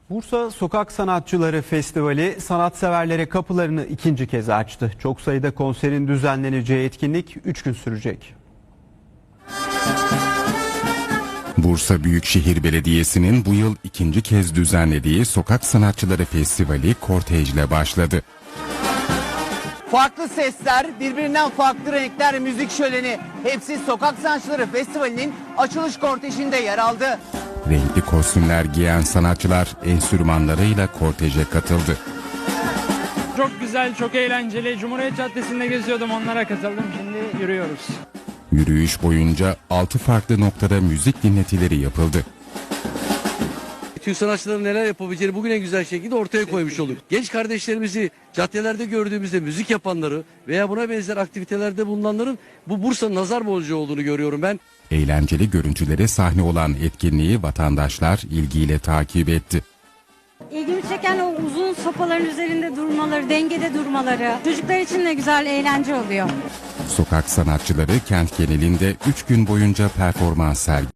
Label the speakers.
Speaker 1: Bursa Sokak Sanatçıları Festivali sanatseverlere kapılarını ikinci kez açtı. Çok sayıda konserin düzenleneceği etkinlik 3 gün sürecek.
Speaker 2: Bursa Büyükşehir Belediyesi'nin bu yıl ikinci kez düzenlediği Sokak Sanatçıları Festivali kortejle başladı.
Speaker 3: Farklı sesler, birbirinden farklı renkler, müzik şöleni hepsi Sokak Sanatçıları Festivali'nin açılış kortejinde yer aldı.
Speaker 2: Renkli kostümler giyen sanatçılar enstrümanlarıyla korteje katıldı.
Speaker 4: Çok güzel, çok eğlenceli. Cumhuriyet Caddesi'nde geziyordum, onlara katıldım. Şimdi yürüyoruz.
Speaker 2: Yürüyüş boyunca 6 farklı noktada müzik dinletileri yapıldı.
Speaker 5: Türk sanatçıların neler yapabileceğini bugün en güzel şekilde ortaya koymuş olduk. Genç kardeşlerimizi caddelerde gördüğümüzde müzik yapanları veya buna benzer aktivitelerde bulunanların bu Bursa'nın nazar boncuğu olduğunu görüyorum ben.
Speaker 2: Eğlenceli görüntülere sahne olan etkinliği vatandaşlar ilgiyle takip etti.
Speaker 6: İlgimi çeken o uzun sopaların üzerinde durmaları, dengede durmaları. Çocuklar için de güzel, eğlence oluyor.
Speaker 2: Sokak sanatçıları kent genelinde 3 gün boyunca performans sergiledi.